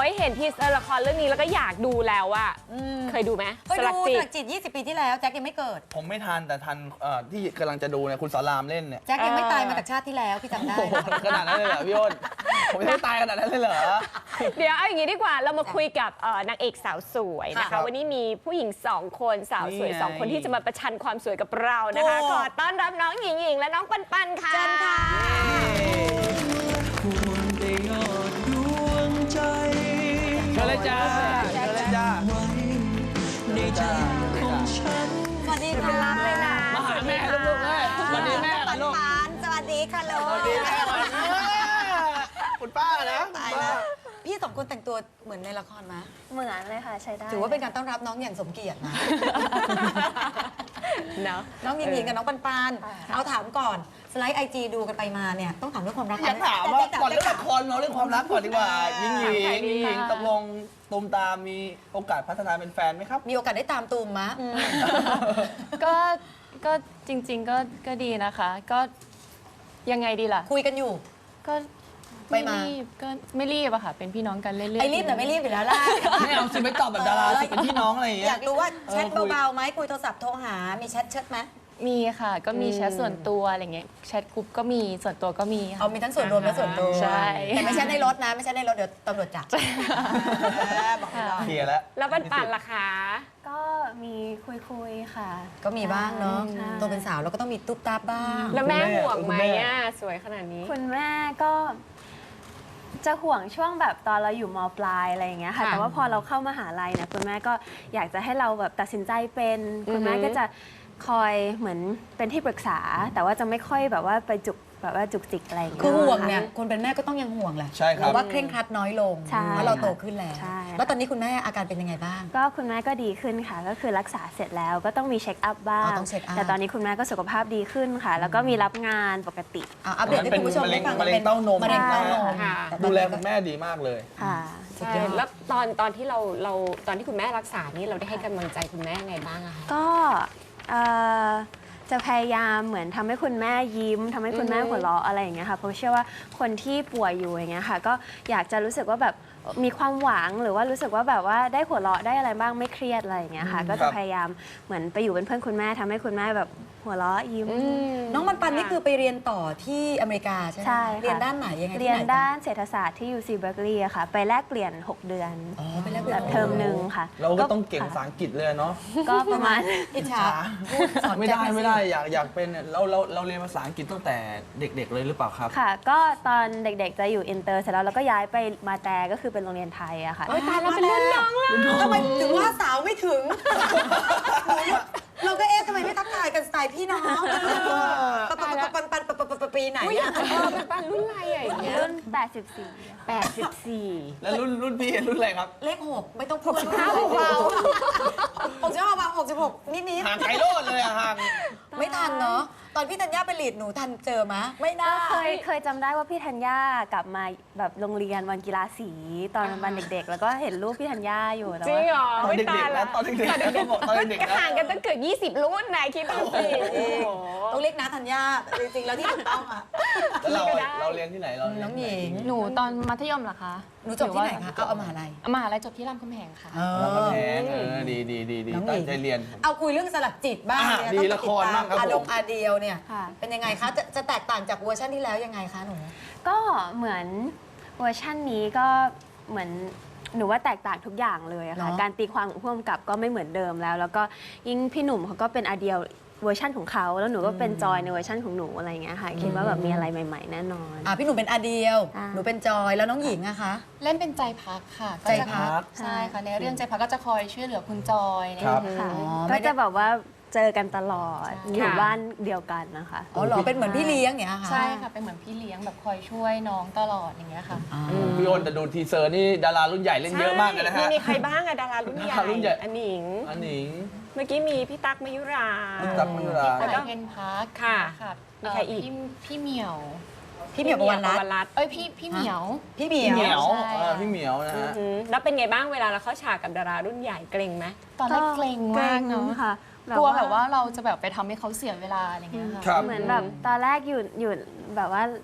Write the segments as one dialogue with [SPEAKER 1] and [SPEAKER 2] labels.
[SPEAKER 1] ยเห็นทีเซอร์ละครเรื่องนี้แล้วก็อยากดูแล้วอะเคยดูไหม
[SPEAKER 2] เคยดูสลักจิต20 ปีที่แล้วแจ็คยังไม่เกิด
[SPEAKER 3] ผมไม่ทันแต่ทันที่กำลังจะดูเนี่ยคุณสอนรามเล่นเนี่ย
[SPEAKER 2] แจ็คยังไม่ตายมาจากชาติที่แล้วพี่จำได้
[SPEAKER 3] ขนาดนั้นเลยเหรอพี่อ้นผมยังไม่ตายขนาดนั้นเลยเหรอ
[SPEAKER 1] เดี๋ยวเอาอย่างนี้ดีกว่าเรามาคุยกับนางเอกสาวสวยนะ
[SPEAKER 3] ครั
[SPEAKER 1] คะ
[SPEAKER 3] บ
[SPEAKER 1] วันนี้มีผู้หญิง2 คนสาวสวย
[SPEAKER 3] นี่ไง
[SPEAKER 1] 2 คนที่จะมาประชันความสวยกับเรานะคะ
[SPEAKER 2] โอ้
[SPEAKER 1] ขอต้อนรับน้องหญิงหญิงและน้องปันปันค่ะ
[SPEAKER 2] เชิญค่ะ
[SPEAKER 4] ควรได้ยอดดวงใจ
[SPEAKER 3] เชิญเลยจ้าเชิญเลยจ้า
[SPEAKER 4] ไว้ในใจของฉัน
[SPEAKER 2] สวัสดี
[SPEAKER 1] เป็
[SPEAKER 2] ค่ะ
[SPEAKER 1] นรับเลยนะ
[SPEAKER 3] มาหาแม่ลูกๆเลยสวัสดีแม่
[SPEAKER 2] ปัน
[SPEAKER 3] ลูก
[SPEAKER 2] ปันสวัสดีค่ะลูก
[SPEAKER 3] สวัสดีแม่คุณป้านะ
[SPEAKER 2] ตายแล้วพี่สองคนแต่งตัวเหมือนในละครไหม
[SPEAKER 5] เหมือนเลยค่ะใช้ได้
[SPEAKER 2] ถือว่าเป็นการต้อนรับน้องอย่างสมเกียรตินะ
[SPEAKER 1] เนาะ
[SPEAKER 2] น้องหญิงๆกับน้องปันปันเอาถามก่อนสไลด์ไอจีดูกันไปมาเนี่ยต้องถามเรื่องความรัก
[SPEAKER 3] อยากถามว่าก่อนเรื่องละ
[SPEAKER 2] ค
[SPEAKER 3] ครเราเรื่องความรักก่อนดีกว่าหญิงหญิงตกลงตูมตามมีโอกาสพัฒนาเป็นแฟนไหมครับ
[SPEAKER 2] มีโอกาสได้ตามตูมมะ
[SPEAKER 5] ก็จริงๆก็ดีนะคะ ก็ยังไงดีล่ะ
[SPEAKER 2] คุยกันอยู่
[SPEAKER 5] ก็
[SPEAKER 2] ไปมา
[SPEAKER 5] รีบก็ไม่รีบอะค่ะ เป็นพี่น้องกันเรื่อยๆ
[SPEAKER 2] ไอรีบแต่ไม่รีบอยู่แล้วล่ะ
[SPEAKER 3] ไม่เอาสิไม่ตอบแบบดาราสิเป็นพี่น้องอะไรอย่างเงี้
[SPEAKER 2] อย ยากรู้ว่าแชท
[SPEAKER 3] คุย
[SPEAKER 2] เบาๆไหมคุยโทรศัพท์โทรหา มีแชทเชิดไหม
[SPEAKER 5] มีค่ะ ก็มีแชทส่วนตัวอะไรเงี้ยแชทกลุ่มก็มีส่วนตัวก็มีค่ะ
[SPEAKER 2] เอามีทั้งส่วนรวมและส่วนตัว
[SPEAKER 5] ใช่
[SPEAKER 2] แต่ไม่ใช่ในรถนะ ไม่ใช่ในรถเดี๋ยวตำรวจจับบอกไม่ได้
[SPEAKER 3] เคลียร์แล้ว
[SPEAKER 1] แล้วปันปันล่ะคะ
[SPEAKER 5] ก็มีคุยๆค่ะ
[SPEAKER 2] ก็มีบ้างเนาะ
[SPEAKER 5] ใช่
[SPEAKER 2] ตัวเป็นสาวเราก็ต้องมีตุ๊บตับบ้าง
[SPEAKER 1] แล้วแม่
[SPEAKER 3] คุณแม่
[SPEAKER 1] ห่วงไหม
[SPEAKER 3] คุณแม่
[SPEAKER 1] อ่ะสวยขนาดนี้
[SPEAKER 5] คุณแม่ก็จะห่วงช่วงแบบตอนเราอยู่มปลายอะไรอย่างเงี้ยค่ะ
[SPEAKER 1] ค่ะ
[SPEAKER 5] แต่ว่าพอเราเข้ามหาลัยเนี่ยคุณแม่ก็อยากจะให้เราแบบตัดสินใจเป็น คุณแม่
[SPEAKER 1] อือฮึ
[SPEAKER 5] ก็จะคอยเหมือนเป็นที่ปรึกษา แต่ว่าจะไม่ค่อยแบบว่าไปแบบว่าจุกจิกอะไรอย่างเงี้ย
[SPEAKER 2] คือห่วงเนี่ยคนเป็นแม่ก็ต้องยังห่วงแหละ
[SPEAKER 3] ใช่ครับ
[SPEAKER 2] แต่ว่าเคร่งครัดน้อยลง
[SPEAKER 5] ใช่
[SPEAKER 2] เพราะเราโตขึ้นแล้ว
[SPEAKER 5] ใช่
[SPEAKER 2] แล้วตอนนี้คุณแม่อาการเป็นยังไงบ้าง
[SPEAKER 5] ก็คุณแม่ก็ดีขึ้นค่ะ ก็คือรักษาเสร็จแล้วก็ต้องมีเช็คอัพบ้า
[SPEAKER 2] อ๋
[SPEAKER 5] ง
[SPEAKER 2] อต้องเช็คอัพ
[SPEAKER 5] แต่ตอนนี้คุณแม่ก็สุขภาพดีขึ้นค่ะ แล้วก็มีรับงานปกติ
[SPEAKER 2] อัปเดตให้คุณผู้ชมได้ฟัง
[SPEAKER 3] มะเร็งเต้านม
[SPEAKER 2] มะเร็งเต้านม
[SPEAKER 1] ค่ะ
[SPEAKER 2] แต่ตอน
[SPEAKER 3] ดู
[SPEAKER 2] นี้
[SPEAKER 3] แล
[SPEAKER 2] ก็
[SPEAKER 3] คุณแม่ดีมากเลย
[SPEAKER 5] ค่ะ
[SPEAKER 2] สุด
[SPEAKER 1] ใช่
[SPEAKER 2] ยอด
[SPEAKER 1] แล้วตอนที่เราตอนที่คุณแม่รักษานี่เราได้ให้กำลังใจคุณแม่ไงบ้างอะคะ
[SPEAKER 5] ก็เอ่อจะพยายามเหมือนทำให้คุณแม่ยิ้มทำให้คุณแม่หัวเราะอะไรอย่างเงี้ยค่ะเพราะเชื่อว่าคนที่ป่วยอยู่อย่างเงี้ยค่ะก็อยากจะรู้สึกว่าแบบมีความหวังหรือว่ารู้สึกว่าแบบว่าได้หัวเราะได้อะไรบ้างไม่เครียดอะไรอย่างเงี้ยค่ะก็จะพยายามเหมือนไปอยู่เป็นเพื่อนคุณแม่ทำให้คุณแม่แบบหัวเราะยิ้ม
[SPEAKER 2] น้องมันปันนี่คือไปเรียนต่อที่อเมริกาใช่ไหม
[SPEAKER 5] ใช่ค่ะ
[SPEAKER 2] เรียนด้านไหนยังไงที่
[SPEAKER 5] เรียน
[SPEAKER 2] ไห
[SPEAKER 5] ด้านเศรษฐศาสตร์ที่ UC Berkeley อะค่ะ ไปแลกเปลี่ยน 6 เดือน
[SPEAKER 2] อ๋อไปแลกเปลี่
[SPEAKER 5] แบ
[SPEAKER 2] ยน
[SPEAKER 5] บเทอมหนึ่งค่ะ
[SPEAKER 3] เราก็ต้องเก่งภาษาอังกฤษเลยเนาะ
[SPEAKER 5] ก็ประมาณ
[SPEAKER 2] อิจฉาพูดสอน
[SPEAKER 3] ไม่
[SPEAKER 2] แจ็ค
[SPEAKER 3] ได้
[SPEAKER 2] หน่อยสิ
[SPEAKER 3] ไม่ได้อยากเป็นเราเรียนภาษาอังกฤษตั้งแต่เด็ก ๆ เลยหรือเปล่าครับ
[SPEAKER 5] ค่ะ ก็ตอนเด็กๆจะอยู่อินเตอร์เสร็จแล้วเราก็ย้ายไปมาแต่ก็คือเป็นโรงเรียนไทยอะค่ะ
[SPEAKER 1] โอ๊ยตายแล้วเป็นรุ่นน้องแล้ว
[SPEAKER 2] ทำไมถึงว่าสาวไม่ถึง เราก็เอ๊ะทำไมไม่ทักทายกันสไตล์พี่น้องปันปีไหน
[SPEAKER 1] อุ้ย
[SPEAKER 2] อะ
[SPEAKER 1] ปันปันรุ่นอะไรอะอย่างเงี้ย
[SPEAKER 5] รุ่น 84
[SPEAKER 1] 84
[SPEAKER 3] แล้วรุ่นพี่รุ่นอะไรครับ
[SPEAKER 2] เลข6ไม่ต้องพูด65เบา65เบา66นิด
[SPEAKER 3] ห่างไกลโลดเลยอะห่าง
[SPEAKER 2] ๆไม่ทันเนาะตอนพี่ธัญญาไปลีดหนูทันเจอมะไม่น่า
[SPEAKER 5] ก็เคยจำได้ว่าพี่ธัญญากลับมาแบบโรงเรียนวันกีฬาสีตอนวันเด็กๆ แล้วก็เห็นรูปพี่ธัญญาอยู่แต่
[SPEAKER 1] จริง
[SPEAKER 5] ว่า
[SPEAKER 1] เหรอ
[SPEAKER 3] ตอน
[SPEAKER 1] ไม่
[SPEAKER 3] เด็
[SPEAKER 1] ตาก ย
[SPEAKER 3] ๆ
[SPEAKER 1] ละ
[SPEAKER 3] นะตอนเด็กๆเขาบอกตอนเด็กๆ
[SPEAKER 1] ก็
[SPEAKER 3] นะ
[SPEAKER 1] ห่างกันตั้งเกือบ20 รุ่นนายคิดดูสิโอ้โห
[SPEAKER 2] ต้องเรียกน้าธัญญาจริงๆแล้วที่ถูกต้องอะ
[SPEAKER 3] แล้วเรา
[SPEAKER 1] ก็ได้
[SPEAKER 3] เราเรียนที่ไหนเราเรีย
[SPEAKER 2] น้องหญิง
[SPEAKER 6] หนูตอนมัธยมเหรอคะ
[SPEAKER 2] หนูจบที่ไหนคะเอามหาลัย
[SPEAKER 6] มหาลัยจบที่รามคำแหงค่ะ
[SPEAKER 3] เราก็แพงดี
[SPEAKER 2] น้องหญิง
[SPEAKER 3] ตั้งใจเรียน
[SPEAKER 2] เอาคุยเรื่องสลักจิตบ้าง
[SPEAKER 3] อ่ะ
[SPEAKER 2] เนี่ย
[SPEAKER 3] ดี
[SPEAKER 2] ต้อง
[SPEAKER 3] ละครบ้างครับ
[SPEAKER 2] อาดง
[SPEAKER 3] ผม
[SPEAKER 2] อาเดียวเนี่ย
[SPEAKER 5] ค่ะ
[SPEAKER 2] เป็นยังไงคะจะแตกต่างจากเวอร์ชันที่แล้วยังไงคะหนู
[SPEAKER 5] ก็เหมือนเวอร์ชั่นนี้ก็เหมือนหนูว่าแตกต่างทุกอย่างเลยอะค่ะ
[SPEAKER 2] เนอะ
[SPEAKER 5] การตีความของผู้กำกับก็ไม่เหมือนเดิมแล้ว แล้วก็ยิ่งพี่หนุ่มเขาก็เป็นอาเดียวเวอร์ชั่นของเขาแล้วหนูก็เป็นจอยในเวอร์ชั่นของหนูอะไรอย่างเงี้ยค่ะคิดว่าแบบมีอะไรใหม่ ๆ แน่นอน
[SPEAKER 2] พี่หนูเป็นอาเดียว
[SPEAKER 5] อ่า
[SPEAKER 2] หนูเป็นจอยแล้วน้องหญิงอะคะ
[SPEAKER 6] เล่นเป็นใจพักค่ะ
[SPEAKER 2] ใจพัก
[SPEAKER 6] ใช่ค่ะ ในเรื่องใจพักก็จะคอยช่วยเหลือคุณจอยใน
[SPEAKER 3] ครับ
[SPEAKER 5] ค่ะ
[SPEAKER 2] อ๋อ
[SPEAKER 5] ก็
[SPEAKER 2] ไม่ได้
[SPEAKER 5] จะแบบว่าเจอกันตลอด
[SPEAKER 6] ใช่
[SPEAKER 5] อยู่บ้านเดียวกันนะคะ
[SPEAKER 2] อ๋อเหรอเป็นเหมือนพี่เลี้ยงอย่างเงี้ยค่ะ
[SPEAKER 6] ใช่ค่ะ เป็นเหมือนพี่เลี้ยงแบบคอยช่วยน้องตลอดอย่างเงี้ยค่ะ
[SPEAKER 3] พี่อ้นแต่ดูทีเซอร์นี่ดารารุ่นใหญ่เล่นเยอะมากเลยนะฮะ
[SPEAKER 1] มีใครบ้างอะดารารุ่นใหญ่
[SPEAKER 3] ดารารุ่นใหญ่
[SPEAKER 1] อันหนิง
[SPEAKER 3] อันหนิง
[SPEAKER 1] เมื่อกี้มีพี่ตั๊กมยุรา
[SPEAKER 3] พี่ตั๊กมยุรา
[SPEAKER 1] แล้วก็
[SPEAKER 6] เพนพัก
[SPEAKER 1] ค่ะ
[SPEAKER 6] ค่ะ
[SPEAKER 1] มีใครอีก
[SPEAKER 6] พี่เหมียว
[SPEAKER 2] พี่เหมียวประวันรัตน์
[SPEAKER 1] รัตน์
[SPEAKER 6] เอ้ยพี่เหมียว
[SPEAKER 2] พี่เหมี
[SPEAKER 3] พี่เหมี
[SPEAKER 2] ย
[SPEAKER 3] ยว ว
[SPEAKER 6] ใช่
[SPEAKER 3] พี่เหมียวนะ
[SPEAKER 1] อือ
[SPEAKER 3] ฮะ
[SPEAKER 1] หือแล้วเป็นไงบ้างเวลาเราเข้าฉากกับดารารุ่นใหญ่เกรงไหม
[SPEAKER 6] ตอนแรกเกรงมากเนาะ
[SPEAKER 5] ค่ะ
[SPEAKER 6] กลัวแบบว่าเราจะแบบไปทำให้เขาเสียเวลาอะไรเงี้ยค่ะ
[SPEAKER 3] ครับ
[SPEAKER 5] เหมือนแบบตอนแรกอยู่แบบว่า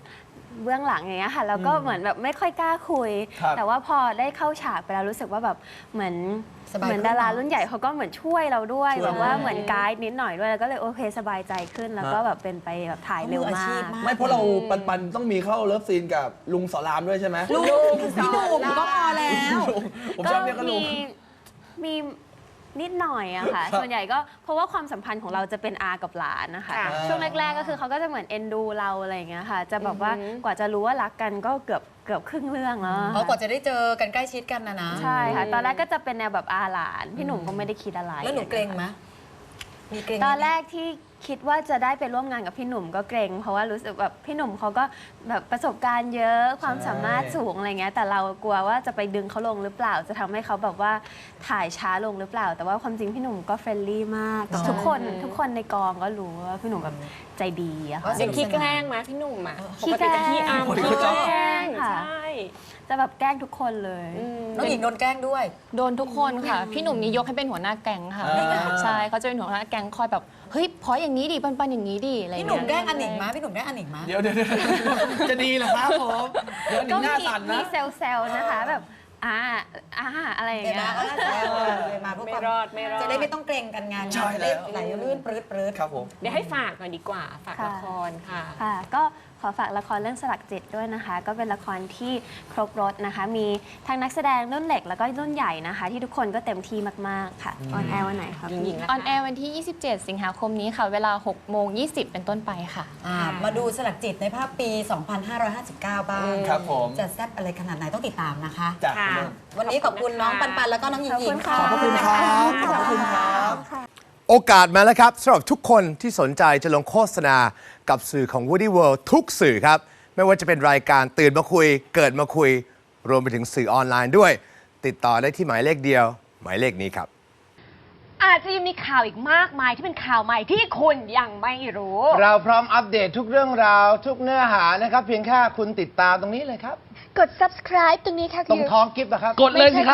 [SPEAKER 5] เบื้องหลังอย่างเงี้ยค่ะแล้วก็เหมือนแบบไม่ค่อยกล้าคุย
[SPEAKER 3] ครับ
[SPEAKER 5] แต่ว่าพอได้เข้าฉากไปแล้วรู้สึกว่าแบบเหมือน
[SPEAKER 2] สบาย
[SPEAKER 5] เหมือน
[SPEAKER 2] ขึ้น
[SPEAKER 5] ดารา
[SPEAKER 2] เนอะ
[SPEAKER 5] รุ่นใหญ่เขาก็เหมือนช่วยเราด้วย
[SPEAKER 3] ช่วย
[SPEAKER 5] แบบว่า
[SPEAKER 2] ใช่
[SPEAKER 5] เหมือนไกด์นิดหน่อยด้วยแล้วก็เลยโอเคสบายใจขึ้นแล้วก็แบบเป็นไปแบบถ่ายเร็ว
[SPEAKER 2] มืออาชี
[SPEAKER 5] มา
[SPEAKER 2] พ
[SPEAKER 5] ก
[SPEAKER 2] มาก
[SPEAKER 3] ไม่เพราะเราปันต้องมีเข้าเลิฟซีนกับลุงสอนรามด้วยใช่ไหม
[SPEAKER 2] ลูกพี่หนุ่มก็พอแล้ว
[SPEAKER 3] ผมชอบเรียกกันลุง
[SPEAKER 5] มีนิดหน่อยอะค่ะ
[SPEAKER 3] ครับ
[SPEAKER 5] ส่วนใหญ่ก็เพราะว่าความสัมพันธ์ของเราจะเป็นอากับหลานนะคะ
[SPEAKER 1] ค่ะ
[SPEAKER 5] ช่วงแรกๆก็คือเขาก็จะเหมือนเอ็นดูเราอะไรอย่างเงี้ยค่ะ จะแบบว่ากว่าจะรู้ว่ารักกันก็เกือบครึ่งเรื่องแล้ว
[SPEAKER 2] เพราะกว่าจะได้เจอกันใกล้ชิดกันนะ
[SPEAKER 5] ใช่ค่ะ ตอนแรกก็จะเป็นแนวแบบอาหลาน พี่หนุ่มก็ไม่ได้คิดอะไร
[SPEAKER 2] แล้วหนูเกรงไหมมีเกรงไหม
[SPEAKER 5] ตอนแรกที่คิดว่าจะได้ไปร่วมงานกับพี่หนุ่มก็เกรง เพราะว่ารู้สึกแบบพี่หนุ่มเขาก็แบบประสบการณ์เยอะความสามารถสูงอะไรเงี้ยแต่เรากลัวว่าจะไปดึงเขาลงหรือเปล่า จะทำให้เขาแบบว่าถ่ายช้าลงหรือเปล่า แต่ว่าความจริงพี่หนุ่มก็เฟรนลี่มากกับทุกคนในกองก็รู้ว่าพี่หนุ่มแบบใจดีอะค่ะ
[SPEAKER 1] ยังขี้แกล้งไหมพี่หนุ่มอ่ะ
[SPEAKER 5] ขี้แกล้ง
[SPEAKER 1] ปจะขี้อาม
[SPEAKER 3] ปกติเขาชอบ
[SPEAKER 1] ขี้แกล้ง
[SPEAKER 5] ค่ะ
[SPEAKER 1] ใช่
[SPEAKER 5] จะแบบแกล้งทุกคนเลย
[SPEAKER 2] น้องหญิงโดนแกล้งด้วย
[SPEAKER 6] โดนทุกคนค่ะ พี่หนุ่มนี่ยกให้เป็นหัวหน้าแก๊งค่ะ ใช่เขาจะเป็นหัวหน้าแก๊งคอยแบบเฮ้ยพออย่างนี้ดิปันอย่างนี้ดิอะไร
[SPEAKER 2] พี่
[SPEAKER 6] เงี้ย
[SPEAKER 2] หนุ่มแกล้งอันหนิงมาพี่หนุ่มแกล้งอันหนิงมา
[SPEAKER 3] เดี๋ยวจะดีเหรอครับผมเดี๋ยวหนิ
[SPEAKER 5] ก็
[SPEAKER 3] งหน้า
[SPEAKER 5] มี
[SPEAKER 3] สั่นนะ
[SPEAKER 5] เซลนะคะแบบอะไรอย่าง
[SPEAKER 2] เดี๋ยว
[SPEAKER 5] เงี้
[SPEAKER 2] นะ
[SPEAKER 5] ย
[SPEAKER 2] ก็เลยมาเพื่อ
[SPEAKER 1] ไม่
[SPEAKER 2] ความ
[SPEAKER 1] รอดไม่รอด
[SPEAKER 2] จะได้ไม่ต้องเกรงกันงาน
[SPEAKER 3] ใช่แล้ว
[SPEAKER 2] ไหลลื่นปรื้ด
[SPEAKER 3] ครับผม
[SPEAKER 1] เดี๋ยวให้ฝากหน่อยดีกว่า ฝาก
[SPEAKER 5] ค่ะ
[SPEAKER 1] ละครค่ะ
[SPEAKER 5] ค่ะก็ขอฝากละครเรื่องสลักจิตด้วยนะคะ ก็เป็นละครที่ครบรถนะคะ มีทั้งนักแสดงรุ่นเล็กแล้วก็รุ่นใหญ่นะคะ ที่ทุกคนก็เต็มที่มากๆค่ะออนแอร์วันไหนครับ
[SPEAKER 1] หญิงๆ
[SPEAKER 6] ออนแอร์วันที่ 27 สิงหาคมนี้ค่ะ เวลา 6:20 เป็นต้นไปค่ะ
[SPEAKER 2] มาดูสลักจิตในภาพปี 2559 บ้าง
[SPEAKER 3] ครับผม
[SPEAKER 2] จะแซ่บอะไรขนาดไหนต้องติดตามนะคะ
[SPEAKER 3] จาก
[SPEAKER 1] ค่ะ
[SPEAKER 2] วันนี้ขอบคุณน้องปันแล้วก็น้องหญิงหญิงค่ะ
[SPEAKER 3] ขอบพระคุณครับ ขอบพระคุณครับ
[SPEAKER 7] โอกาสมาแล้วครับสำหรับทุกคนที่สนใจจะลงโฆษณากับสื่อของ Woody World ทุกสื่อครับ ไม่ว่าจะเป็นรายการตื่นมาคุย เกิดมาคุย รวมไปถึงสื่อออนไลน์ด้วย ติดต่อได้ที่หมายเลขเดียว หมายเลขนี้ครับ
[SPEAKER 8] อาจจะยังมีข่าวอีกมากมายที่เป็นข่าวใหม่ที่คุณยังไม่รู้
[SPEAKER 9] เราพร้อมอัปเดตทุกเรื่องราวทุกเนื้อหานะครับ เพียงแค่คุณติดตามตรงนี้เลยครับ
[SPEAKER 8] กด subscribe ตรงนี้ค่ะ
[SPEAKER 9] ตรงท้องกิฟต์นะครับ
[SPEAKER 3] กดเลยสิครับ